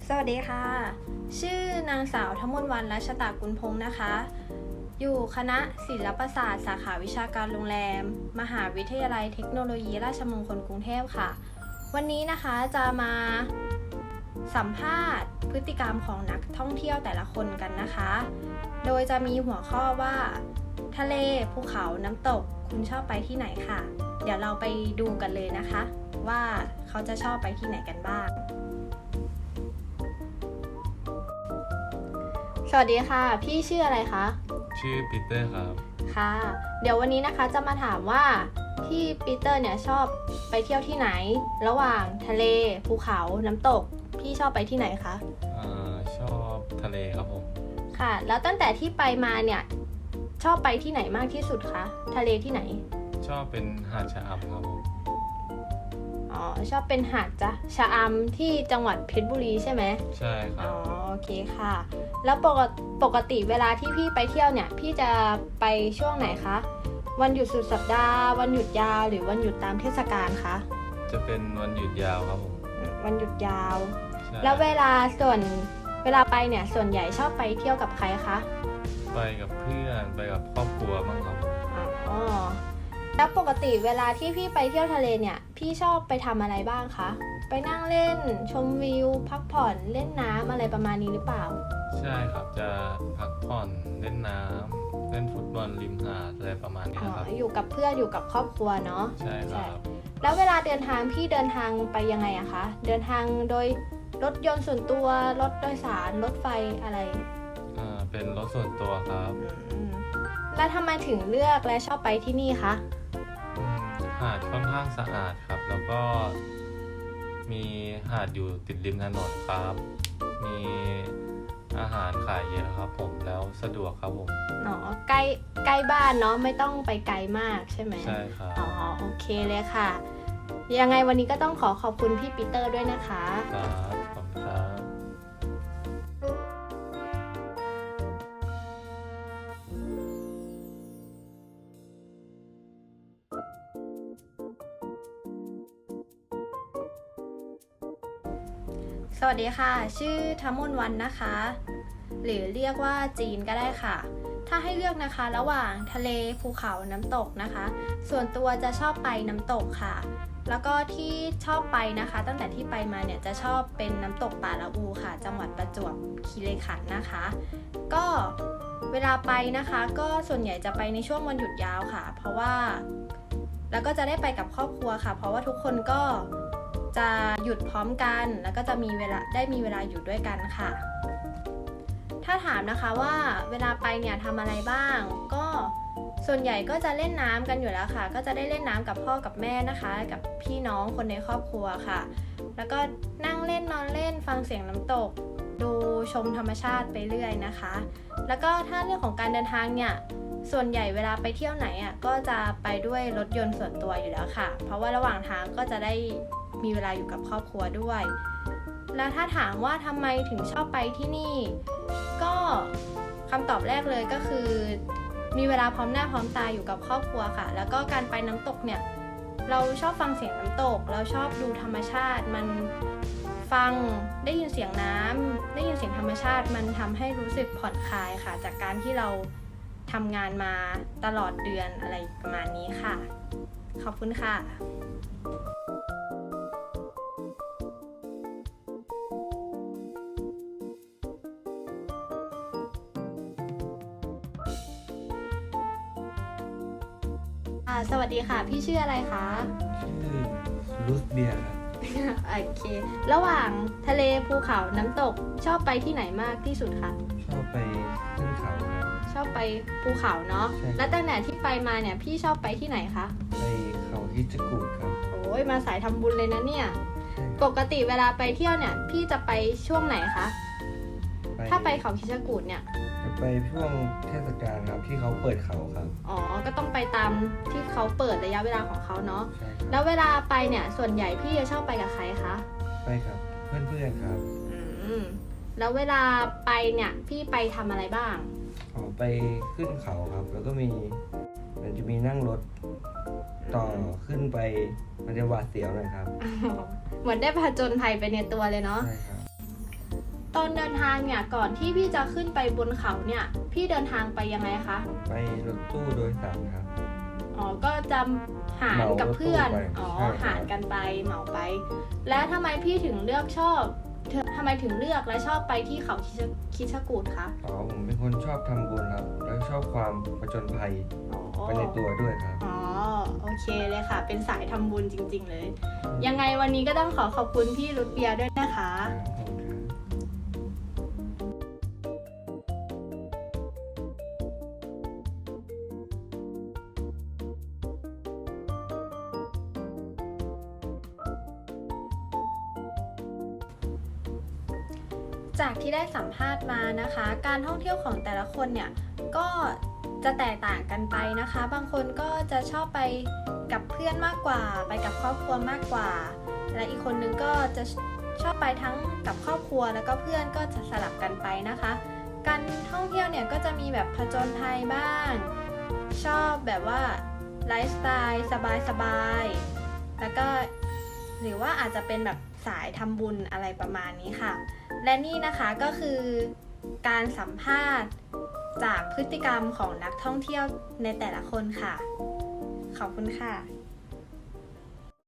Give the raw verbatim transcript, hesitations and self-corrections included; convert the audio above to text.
สวัสดีค่ะชื่อนางสาวธมนต์วรรณ รัชตากุลพงศ์นะคะอยู่คณะศิลปศาสตร์สาขาวิชาการโรงแรมมหาวิทยาลัยเทคโนโลยีราชมงคลกรุงเทพค่ะวันนี้นะคะจะมาสัมภาษณ์พฤติกรรมของนักท่องเที่ยวแต่ละคนกันนะคะโดยจะมีหัวข้อว่าทะเลภูเขาน้ำตกคุณชอบไปที่ไหนค่ะเดี๋ยวเราไปดูกันเลยนะคะว่าเขาจะชอบไปที่ไหนกันบ้างสวัสดีค่ะพี่ชื่ออะไรคะชื่อปีเตอร์ครับค่ะเดี๋ยววันนี้นะคะจะมาถามว่าพี่ปีเตอร์เนี่ยชอบไปเที่ยวที่ไหนระหว่างทะเลภูเขาน้ำตกพี่ชอบไปที่ไหนคะอ่าชอบทะเลครับผมค่ะแล้วตั้งแต่ที่ไปมาเนี่ยชอบไปที่ไหนมากที่สุดคะทะเลที่ไหนชอบเป็นหาดชะอำครับผมอ๋อชอบเป็นหาดจ้ะชะอำที่จังหวัดเพชรบุรีใช่ไหมใช่ครับอ๋อโอเคค่ะแล้วปกติปกติเวลาที่พี่ไปเที่ยวเนี่ยพี่จะไปช่วงไหนคะวันหยุดสุดสัปดาห์วันหยุดยาวหรือวันหยุดตามเทศกาลคะจะเป็นวันหยุดยาวครับผมวันหยุดยาวแล้วเวลาส่วนเวลาไปเนี่ยส่วนใหญ่ชอบไปเที่ยวกับใครคะไปกับเพื่อนไปกับครอบครัวบ้างครับอ๋อแล้วปกติเวลาที่พี่ไปเที่ยวทะเลเนี่ยพี่ชอบไปทำอะไรบ้างคะไปนั่งเล่นชมวิวพักผ่อนเล่นน้ำอะไรประมาณนี้หรือเปล่าใช่ครับจะพักผ่อนเล่นน้ำเล่นฟุตบอลริมหาดอะไรประมาณนี้ครับอยู่กับเพื่อนอยู่กับครอบครัวเนาะใช่ครับแล้วเวลาเดินทางพี่เดินทางไปยังไงอะคะเดินทางโดยรถยนต์ส่วนตัวรถโดยสารรถไฟอะไรอ่าเป็นรถส่วนตัวครับแล้วทำไมถึงเลือกและชอบไปที่นี่คะหาดค่อนข้างสะอาดครับแล้วก็มีหาดอยู่ติดริมถนนครับมีอาหารขายเยอะครับผมแล้วสะดวกครับผมอ๋อใกล้ใกล้บ้านเนาะไม่ต้องไปไกลมากใช่ไหมใช่ครับอ๋อโอเคเลยค่ะยังไงวันนี้ก็ต้องขอขอบคุณพี่ปีเตอร์ด้วยนะคะครับขอบคุณครับสวัสดีค่ะชื่อธมนต์วรรณนะคะหรือเรียกว่าจีนก็ได้ค่ะถ้าให้เลือกนะคะระหว่างทะเลภูเขาน้ำตกนะคะส่วนตัวจะชอบไปน้ำตกค่ะแล้วก็ที่ชอบไปนะคะตั้งแต่ที่ไปมาเนี่ยจะชอบเป็นน้ำตกป่าละอูค่ะจังหวัดประจวบคีรีขันธ์นะคะก็เวลาไปนะคะก็ส่วนใหญ่จะไปในช่วงวันหยุดยาวค่ะเพราะว่าแล้วก็จะได้ไปกับครอบครัวค่ะเพราะว่าทุกคนก็จะหยุดพร้อมกันแล้วก็จะมีเวลาได้มีเวลาอยู่ด้วยกันค่ะถ้าถามนะคะว่าเวลาไปเนี่ยทำอะไรบ้างก็ส่วนใหญ่ก็จะเล่นน้ำกันอยู่แล้วค่ะก็จะได้เล่นน้ำกับพ่อกับแม่นะคะกับพี่น้องคนในครอบครัวค่ะแล้วก็นั่งเล่นนอนเล่นฟังเสียงน้ำตกดูชมธรรมชาติไปเรื่อยนะคะแล้วก็ถ้าเรื่องของการเดินทางเนี่ยส่วนใหญ่เวลาไปเที่ยวไหนอ่ะก็จะไปด้วยรถยนต์ส่วนตัวอยู่แล้วค่ะเพราะว่าระหว่างทางก็จะได้มีเวลาอยู่กับครอบครัวด้วยแล้วถ้าถามว่าทำไมถึงชอบไปที่นี่ก็คำตอบแรกเลยก็คือมีเวลาพร้อมหน้าพร้อมตาอยู่กับครอบครัวค่ะแล้วก็การไปน้ำตกเนี่ยเราชอบฟังเสียงน้ำตกเราชอบดูธรรมชาติมันฟังได้ยินเสียงน้ำได้ยินเสียงธรรมชาติมันทำให้รู้สึกผ่อนคลายค่ะจากการที่เราทำงานมาตลอดเดือนอะไรประมาณนี้ค่ะขอบคุณค่ะสวัสดีค่ะพี่ชื่ออะไรคะชื่อลูสเบียร์ครับโอเคระหว่างทะเลภูเขาน้ำตกชอบไปที่ไหนมากที่สุดคะชอบไปขึ้นเขาครับชอบไปภูเขาเนาะแล้วตั้งแต่ที่ไปมาเนี่ยพี่ชอบไปที่ไหนคะไปเขาคิชกูดครับโอ้ยมาสายทำบุญเลยนะเนี่ยปกติเวลาไปเที่ยวเนี่ยพี่จะไปช่วงไหนคะถ้าไปเขาคิชกูดเนี่ยจะไปช่วงเทศกาลครับที่เขาเปิดเขาครับอ๋อก็ต้องไปตามที่เขาเปิดระยะเวลาของเขาเนาะแล้วเวลาไปเนี่ยส่วนใหญ่พี่จะชอบไปกับใครคะไปกับเพื่อนๆครับอืมแล้วเวลาไปเนี่ยพี่ไปทำอะไรบ้างอ๋อไปขึ้นเขาครับแล้วก็มีมันจะมีนั่งรถต่อขึ้นไปมันจะหวาดเสียวหน่อยครับเหมือนได้ผจญภัยไปในตัวเลยเนาะใช่ครับตอนเดินทางเนี่ยก่อนที่พี่จะขึ้นไปบนเขาเนี่ยพี่เดินทางไปยังไงคะไปรถตู้โดยสารครับอ๋อก็จะหารกับเพื่อนเหมารถตู้ไปอ๋อใช่ครับหารกันไปเหมาไป แล้วทำไมพี่ถึงเลือกชอบเธอทำไมถึงเลือกและชอบไปที่เขาคิชคิชกูฏคะอ๋อผมเป็นคนชอบทำบุญครับ แล้วชอบความผจญภัยอ๋อไปในตัวด้วยครับอ๋อโอเคเลยค่ะ เป็นสายทำบุญจริง ๆ เลย ยังไงวันนี้ก็ต้องขอขอบคุณพี่รุดเบียร์ด้วยนะคะขอบคุณครับจากที่ได้สัมภาษณ์มานะคะ การท่องเที่ยวของแต่ละคนเนี่ยก็จะแตกต่างกันไปนะคะ บางคนก็จะชอบไปกับเพื่อนมากกว่า ไปกับครอบครัวมากกว่า และอีกคนนึงก็จะชอบไปทั้งกับครอบครัวแล้วก็เพื่อนก็จะสลับกันไปนะคะ การท่องเที่ยวเนี่ยก็จะมีแบบผจญภัยบ้าง ชอบแบบว่าไลฟ์สไตล์สบายๆแล้วก็หรือว่าอาจจะเป็นแบบสายทำบุญอะไรประมาณนี้ค่ะ และนี่นะคะก็คือการสัมภาษณ์จากพฤติกรรมของนักท่องเที่ยวในแต่ละคนค่ะ ขอบคุณค่ะ